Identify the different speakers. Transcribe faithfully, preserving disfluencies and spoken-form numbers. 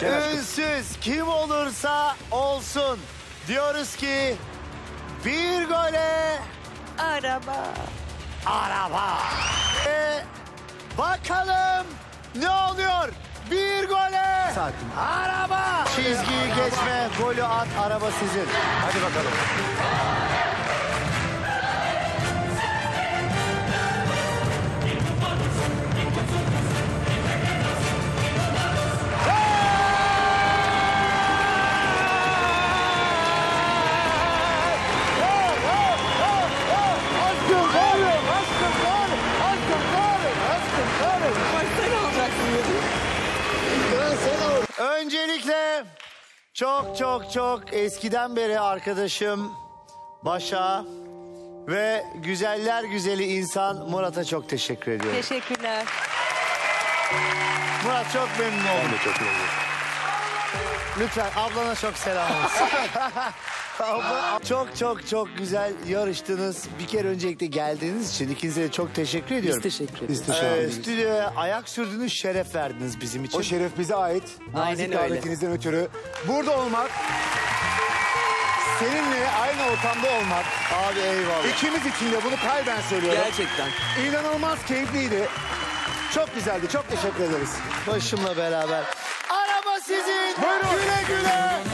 Speaker 1: Ünsüz kim olursa olsun diyoruz ki bir gole
Speaker 2: Araba.
Speaker 1: araba. E, bakalım ne oluyor? Bir gole
Speaker 3: Sakin.
Speaker 1: araba. Çizgiyi geçme, golü at, araba sizin. Hadi bakalım. Öncelikle çok çok çok eskiden beri arkadaşım Başa ve güzeller güzeli insan Murat'a çok teşekkür ediyorum.
Speaker 2: Teşekkürler.
Speaker 1: Murat çok memnun oldum.
Speaker 3: Çok memnun.
Speaker 1: Lütfen ablana çok selam olsun. Abla, çok çok çok güzel yarıştınız. Bir kere öncelikle geldiğiniz için ikinize de çok teşekkür ediyorum.
Speaker 2: Biz teşekkür ederiz.
Speaker 3: Biz teşekkür
Speaker 1: Ee,
Speaker 3: ederiz.
Speaker 1: stüdyoya ayak sürdünüz, şeref verdiniz bizim için.
Speaker 3: O şeref bize ait.
Speaker 2: Aynen
Speaker 3: Nazik
Speaker 2: öyle.
Speaker 3: davetinizden ötürü. Burada olmak, seninle aynı ortamda olmak,
Speaker 1: Abi eyvallah.
Speaker 3: ikimiz için de bunu kalben söylüyorum.
Speaker 2: Gerçekten.
Speaker 3: İnanılmaz keyifliydi. Çok güzeldi. Çok teşekkür ederiz.
Speaker 1: Başımla beraber. Araba sizin.
Speaker 3: Buyurun.
Speaker 1: Güle güle.